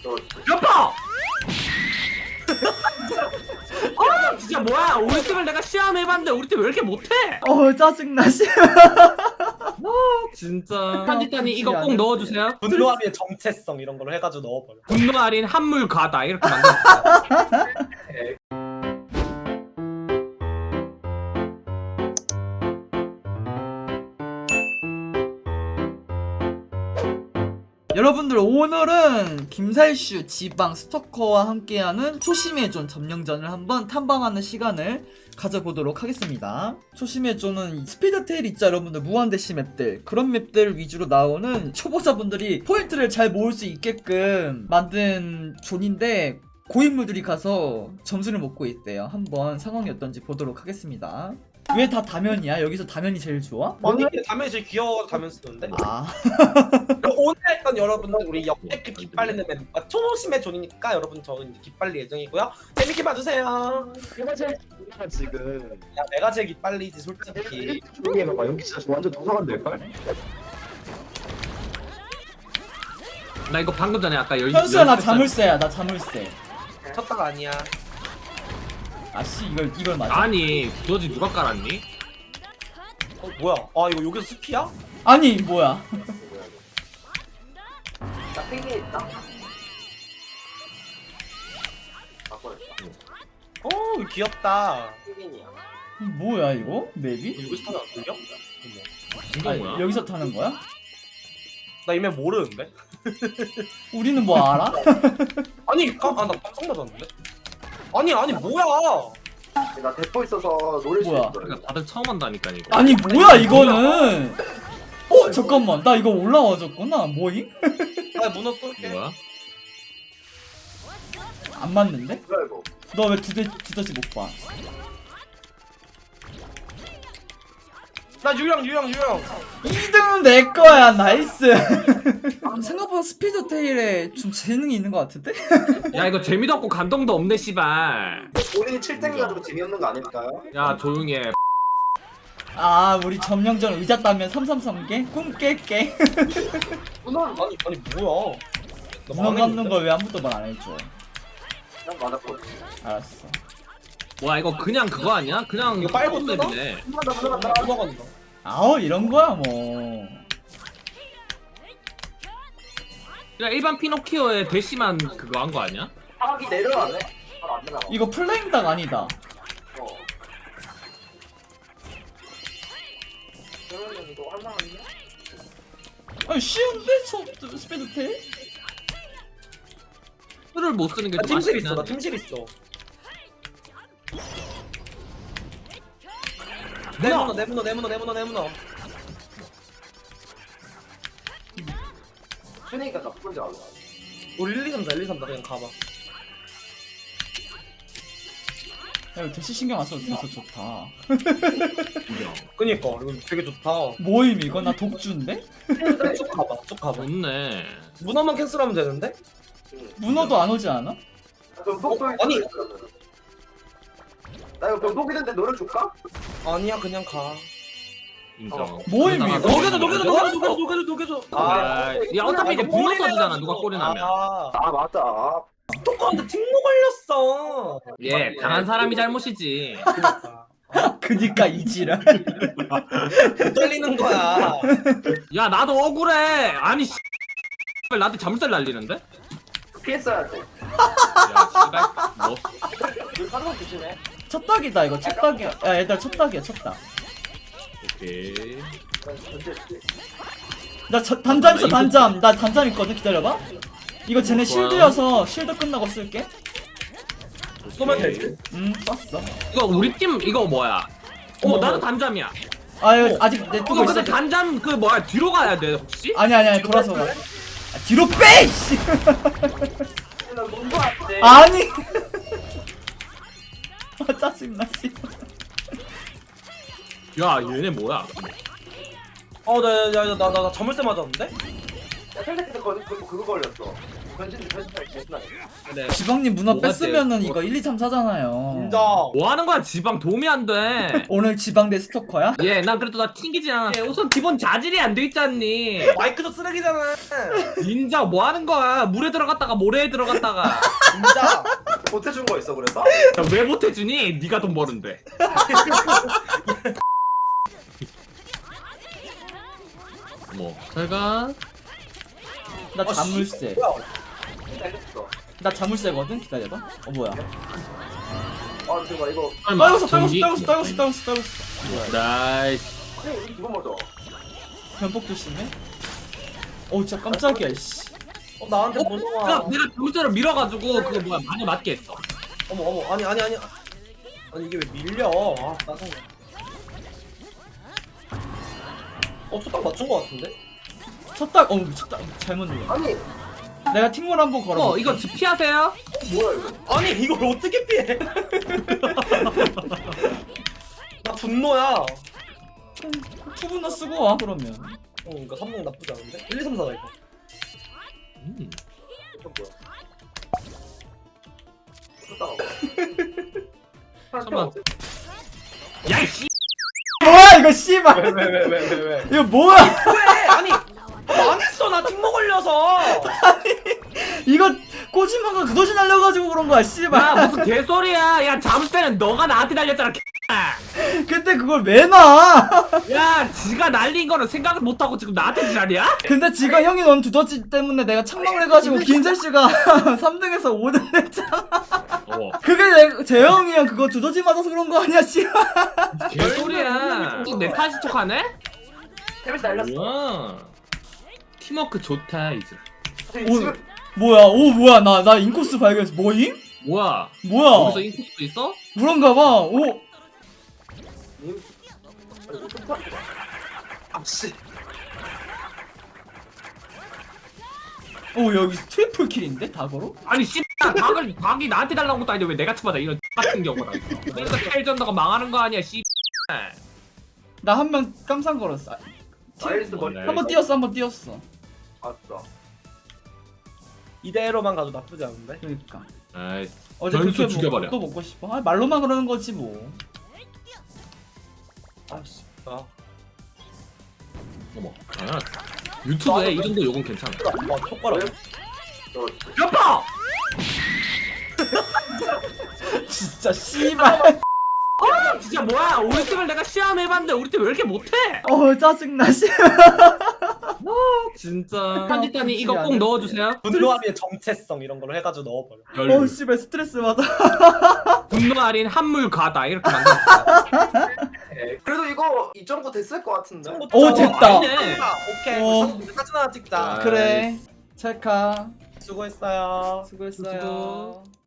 여보! 진짜 뭐야? 우리 팀을 내가 시험해봤는데 우리 팀 왜 이렇게 못해? 짜증나 씨. 진짜 편집단이 이거 꼭 넣어주세요. 분노함의 정체성 이런 걸로 해가지고 넣어버려. 분노 할인 한물 가다 이렇게 만들었어요. 여러분들 오늘은 김살슈 지방 스토커와 함께하는 초심의 존 점령전을 한번 탐방하는 시간을 가져보도록 하겠습니다. 초심의 존은 스피드테일 있죠 여러분들, 무한대시 맵들, 그런 맵들 위주로 나오는 초보자분들이 포인트를 잘 모을 수 있게끔 만든 존인데 고인물들이 가서 점수를 먹고 있대요. 한번 상황이 어떤지 보도록 하겠습니다. 왜 다 다면이야? 여기서 다면이 제일 좋아? 아니 다면 제일 귀여워서 다면 쓰는데. 아 오늘 했던 여러분들 우리 역대급 기빨리는 멤버 초심의 존이니까 여러분 저는 이제 기빨리 예정이고요. 재밌게 봐주세요. 내가 제일 중요한 지금 야 내가 제일 기빨리지 솔직히. 조용히 해봐봐. 여기 진짜 완전 도서관 될걸? 나 이거 방금 전에 아까 현수야 나 자물쇠야, 나 자물쇠. 쳤다가 아니야. 아씨 이걸 맞아? 아니 두더지 누가 깔았니? 뭐야? 아 이거 여기서 숲이야? 아니 뭐야? 나 핑계 있다. 이거 귀엽다. 핑계이야. 뭐야 이거? 맵이? 여기서 타면 안 들려? 이거 아니, 뭐야? 여기서 타는 거야? 나 이미 모르는데? 우리는 뭐 알아? 아니 나 깜짝 놀랐는데? 아니 뭐야? 나 대포 있어서 노릴 수 뭐야? 있어. 그러니까 다들 처음 한다니까 이거. 아니 뭐야 이거는? 잠깐만 나 이거 올라와줬구나. 뭐임? 나 문어 쏠게. 뭐야? 안 맞는데? 뭐야 이거? 너 왜 두더지 못 봐? 나 유령. 2등은 내 거야. 나이스. 생각보다 스피드 테일에 좀 재능이 있는 것 같은데? 야 이거 재미도 없고 감동도 없네 씨발. 본인이 7등 가지고 재미없는 거 아닐까요? 야 조용히 해. 아 우리 점령전 의자 따면 333개? 꿈 깰게. 아니 뭐야? 문어 감는 걸 왜 아무도 말 안 해줘? 난 맞았거든. 알았어. 뭐야 이거 그냥 그거 아니야? 그냥 이거 빨고 뜯어? 맵이네. 문어간다. 아우 이런 거야 뭐. 야 일반 피노키오의 대시만 그거 한 거 아니야? 사각이 내려가네. 바로 안 내려가. 이거 플레임 닭 아니다. 어. 그러면 이거 할만한데? 아니 쉬운데? 스피드 테일? 술을 못 쓰는 게 나 좀 팀실 아쉽긴 있어. 나 한데. 팀실 있어. 내문어. 순이니까 나쁜 줄 알아. 우리 1, 2, 3, 4 그냥 가봐. 야 이거 대시 신경 안 써도 돼서 좋다. 그니까 이거 되게 좋다. 뭐임 이거? 나 독주인데? 쭉 가봐. 좋네. 문어만 캔슬하면 되는데? 문어도 안 오지 않아? 그럼 속도 아니. 나 이거 병독 있는데 노려줄까? 아니야 그냥 가. 인정. 뭐임 그러다가 이거? 녹여줘. 야 어차피 이제 분노 써지잖아 누가 꼬리 나면. 아 맞다. 스토커한테 팅모 걸렸어. 예 당한 사람이 잘못이지. 그니까 이지랄. 못 달리는 거야. 야 나도 억울해. 아니 나한테 잠살 날리는데? 피했어야 돼. 야 씨발 뭐 너 사람 조심해. 첫 닭이다 이거 첫 닭이야. 야 얘들아 첫 닭이야 첫 닭. 오케이. 나 단잠 있어 단잠. 나 단잠 있거든 기다려봐. 이거 쟤네 실드여서 실드 끝나고 쓸게. 쏘면 되지. 썼어. 이거 우리 팀 이거 뭐야? 어머 나도 단잠이야. 아 이거 아직 내 뜨고 이거 있어. 근데 단잠 그 뭐야 뒤로 가야 돼 혹시? 아니 돌아서 가. 뒤로 빼! 씨. 나 뭔가 안 돼. 아니. 짜증나 씨. 야 얘네 뭐야? 나 자물쇠 맞았는데? 야, 텔레비전 그거 걸렸어. 변신 개신나. 그래. 지방님 문화 뭐가 뺐으면은 돼요? 이거 1, 2, 3, 4잖아요. 인정. 뭐 하는 거야? 지방 도움이 안 돼. 오늘 지방 대 스토커야? 예, 난 그래도 나 튕기지 않았어. 우선 기본 자질이 안 돼 있잖니. 마이크도 쓰레기잖아. 인정, 뭐 하는 거야? 물에 들어갔다가 모래에 들어갔다가. 진짜. 보태준 거 있어 그래서? 야, 왜 못해주니? 네가 돈 버는데. 뭐, 잘가. 나 자물쇠. 뭐야? 알겠어. 나 자물쇠거든? 기다려봐. 뭐야? 아 잠깐 이거. 떨궜어. 나이스. 이거 뭐죠? 변폭 조심해. 진짜 깜짝이야, 씨. 나한테 무서워. 내가 물자로 밀어가지고 그거 뭐야 많이 맞게 했어. 어머 아니 아니 이게 왜 밀려? 아 짜증나. 초딱 맞춘 거 같은데? 미쳤다. 잘못 눌러. 아니 내가 팀몰 한번 걸어. 이거 피하세요? 뭐야 이거? 아니 이걸 어떻게 피해? 나 분노야. 투분너 쓰고 와, 그러면. 그러니까 3등 나쁘지 않은데? 1, 2, 3, 4다 이거. 이거 뭐야? 쫓다가 잠깐만. 야이씨. 뭐야, 이거, 씨발. 왜? 이거 뭐야? 왜? 아니 망했어 나 팀모 걸려서. 이거 꼬지마가 두더지 날려가지고 그런 거야, 씨발. 야 무슨 개소리야. 야 잠수대는 너가 나한테 날렸잖아. 근데 그걸 왜 놔? 야 지가 날린 거는 생각을 못하고 지금 나한테 지랄이야? 근데 지가 형이 넣은 두더지 때문에 내가 착망을 해가지고 김철씨가 3등에서 5등 했잖아. 그게 재영이 형 그거 두더지 맞아서 그런 거 아니야, 씨발. 개소리야. 지금 내 탓인 척하네? 템이 날렸어. 우와. 팀워크 좋다 이제. 뭐야, 나 인코스 발견했어. 뭐임? 뭐야? 뭐야? 여기서 인코스도 있어? 그런가봐. 님. 이거 쫓다. 아씨. 여기 트리플 킬인데? 다거로? 아니 닭이 나한테 달라는 것도 아닌데 왜 내가 쳐맞아 이런 같은 경우라. 그러니까 텔전더가 망하는 거 아니야 나 한 명 깜상 걸었어. 나일스 머리. 네. 한번 뛰었어. 맞다. 이대로만 가도 나쁘지 않은데? 그러니까. 나이스. 어제 변수 그렇게 죽여버려. 또 먹고 싶어. 말로만 그러는 거지 뭐. 아씨. 어머. 유튜브에 이 정도 욕은 괜찮아. 촉발아. 여보! 진짜 씨발. 진짜 뭐야? 우리 팀을 내가 시험해봤는데 우리 팀 왜 이렇게 못해? 짜증나, 씨발. 진짜. 편집단이 이거 꼭 넣어주세요. 분노함의 정체성 이런 걸로 해가지고 넣어버려. 씨발 스트레스 받아. 분노 할인 한물 가다 이렇게 만들었어. 그래도 이거 2.9 됐을 것 같은데. 됐다. 아니네. 오케이. 사진 하나 찍자. 그래. 찰카. 수고했어요. 수고했어요.